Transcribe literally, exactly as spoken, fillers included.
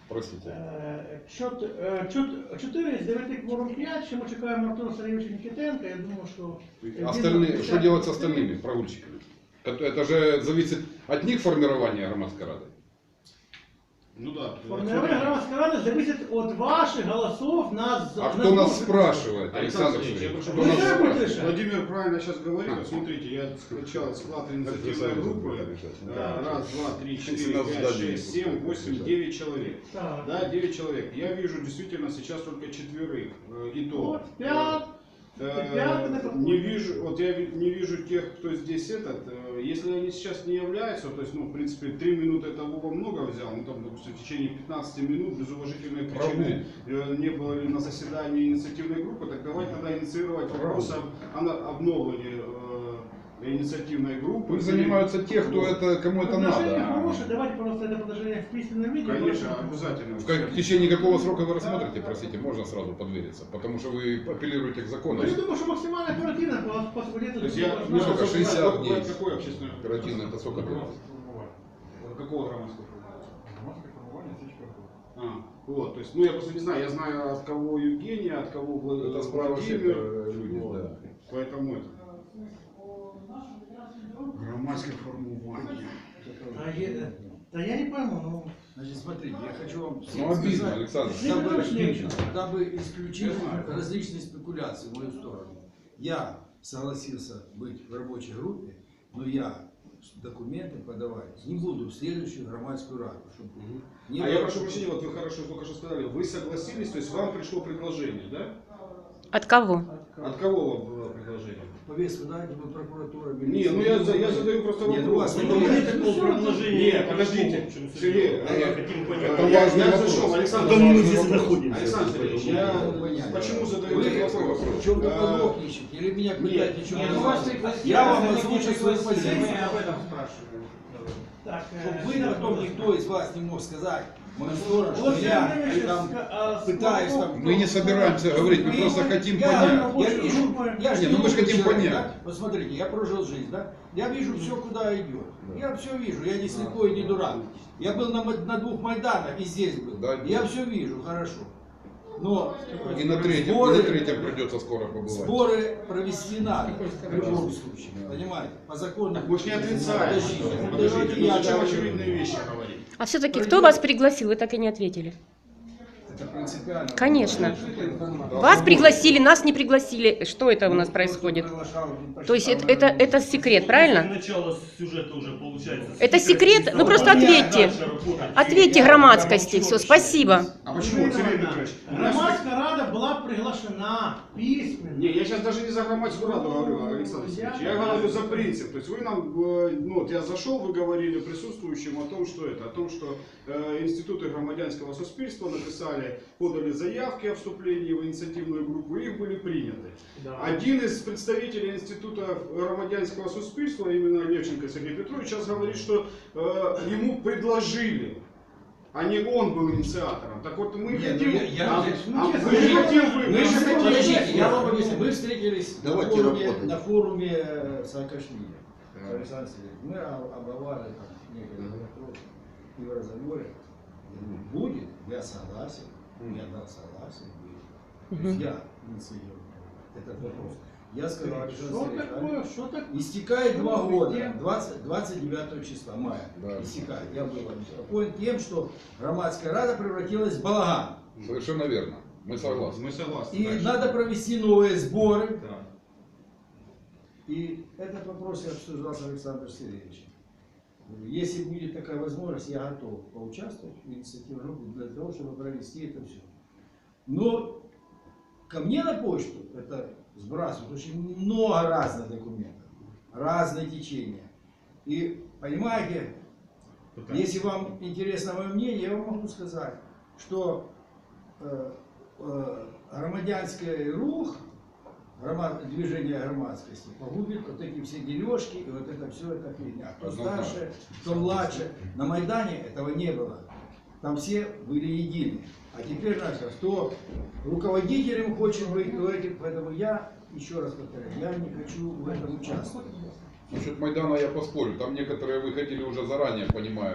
Простите. Е, чот- е, чот- Чотири з дев'яти кворум п'ять, ще ми чекаємо Артура Сергійовича Нікітенка, я думаю, що... Остальные, что делать с остальными прогульщиками? Это, это же зависит от них формирования громадской рады. Ну да. Формирование громадской рады зависит от ваших голосов на... А на кто нас сбор. спрашивает, Александр Александр Сергеевич, я Сергеевич? прошу Кто нас прощения. спрашивает? Решать. Владимир правильно сейчас говорит. Вот смотрите, я скачал склад инициативной группы. Да, раз, два, три, четыре, пять, шесть, семь, восемь, девять человек. Так. Да, девять человек. Я вижу действительно сейчас только четверых. э, И то. Вот, пять. Э, Пятый на какой? Не вижу, вот я ви- не вижу тех, кто здесь этот. э, Если они сейчас не являются, то есть, ну, в принципе, три минуты это Вова много взял, ну, там, допустим, в течение пятнадцати минут без уважительной причины э, не было ли на заседании инициативной группы, так давайте тогда инициировать вопрос об, о на- обновлении э, инициативной группы. Пусть занимаются те, кто Вот. это, кому это Предложение надо. хорошее, давайте просто это предложение в письменном виде. Конечно, просто- обязательно. В, как- в течение какого срока вы рассмотрите, простите, можно сразу подвериться, потому что вы апеллируете к закону. Ну, я думаю, что максимально оперативно по, по свободе. То есть я, Ну, сколько, шестьдесят какой- дней. Какой общественный? Оперативно это сколько длится? Какого громадского формата? Громадское формирование тысяча рублей. А, вот, то есть, ну я просто не знаю, я знаю от кого Евгения, от кого Влад- Это справа Владимир, сектора люди, вот. да. Поэтому это. Громадское формирование. А я, да я не пойму, ну... Значит, смотрите, я хочу вам Ну обидно, сказать, Александр. Дабы- дабы, дабы исключить Я знаю. различные спекуляции в мою сторону. Я согласился быть в рабочей группе, но я документы подавать не буду в следующую громадскую раду. Чтобы не А было- я прошу прощения, вот вы хорошо только что сказали, вы согласились, то есть вам пришло предложение, да? От кого? От кого вам было предложение? Повестку дайте, вы прокуратура. Не, ну я, за- я задаю просто Нет, вопрос. ну, у вас Ну, такого нет, нет такого предложения. Нет, подождите. Сергей, Это я, важный я, я вопрос. зашел, Александр Потому мы Сергеевич, здесь вопрос. находимся. Александр Сергеевич, я Понятно. почему задаю Вы этот вопрос? в чем-то А, подлог ищете, или меня пытаете нет, чем-то нет, назвать? Я вам озвучу свою позицию. об этом спрашиваю. Так, Чтобы э, вы да, потом да. никто из вас не мог сказать в мою сторону, что Владимир я Владимирович, там а, пытаюсь смотрю, там... Мы не собираемся говорить, мы Вы- просто хотим я, понять. Я вижу, я же Не, ну мы ж умный хотим человек, понять. да? Вот смотрите, я прожил жизнь, да? Я вижу все, куда идет. Я все вижу, я не слепой, не дурак. Я был на, ма- на двух Майданах и здесь был. Да, Я да. все вижу, хорошо. Но И на третьем, и сборы, на третьем придется скоро побывать. сборы провести надо, в любом случае. Понимаете? По закону. Мы же не отрицаем. Подождите, Подождите, давайте ну я зачем говорю. очевидные вещи говорить? А все-таки кто вас пригласил? Вы так и не ответили. Это принципиально. Конечно. Вас пригласили, нас не пригласили. Что это у нас происходит? То есть это, это, это секрет, правильно? Начало сюжета уже получается. Это секрет? Ну просто ответьте. Ответьте громадскости. Все, спасибо. А почему, Сергей Петрович? у нас- Громадская рада была приглашена письменно. Не, я сейчас даже не за громадскую раду говорю, Александр Сергеевич. Я говорю за принцип. То есть вы нам, э, ну вот я зашел, вы говорили присутствующим о том, что это, о том, что э, институты громадянского суспільства написали, подали заявки о вступлении в инициативную группу, и их были приняты. Да. Один из представителей института громадянского суспільства, именно Левченко Сергей Петрович, сейчас говорит, что э, ему предложили. А не он был инициатором. Так вот мы Нет, хотим... ну, я- я- а, ну, а честно, мы не ну, хотим Мы выбрать. же, Мы подождите, хотим- я вам объясню. Мы встретились на Давайте форуме, работать. на форуме э, Саакашвили. Александр Сергеевич, мы об- обговаривали там некоторые вопросы и в разговоре. Я говорю, будет, я согласен, я дал согласие, будет. То есть я инициирую этот вопрос. Я сказал, Александр Что Сергеевич, такое, что такое? истекает два Ну, года, где? двадцать, двадцать девятого числа мая. Да. Истекает. Я был обеспокоен тем, что громадская рада превратилась в балаган. Совершенно верно. Мы согласны. Мы согласны. И Дальше. надо провести новые сборы. Да. И этот вопрос я обсуждал с Александром Сергеевичем. Если будет такая возможность, я готов поучаствовать в инициативе группы для того, чтобы провести это все. Но ко мне на почту это сбрасывают очень много разных документов, разные течения. И понимаете, если вам интересно мое мнение, я вам могу сказать, что э, э, громадянский рух, громад, движение громадскости погубит вот эти все дележки и вот это все, это фигня. Кто старше, кто младше. На Майдане этого не было. Там все были едины. А теперь наша, кто руководителем хочет быть, то этим, поэтому я, еще раз повторяю, я не хочу в этом участвовать. Насчет Майдана я поспорю. Там некоторые выходили уже заранее, понимая.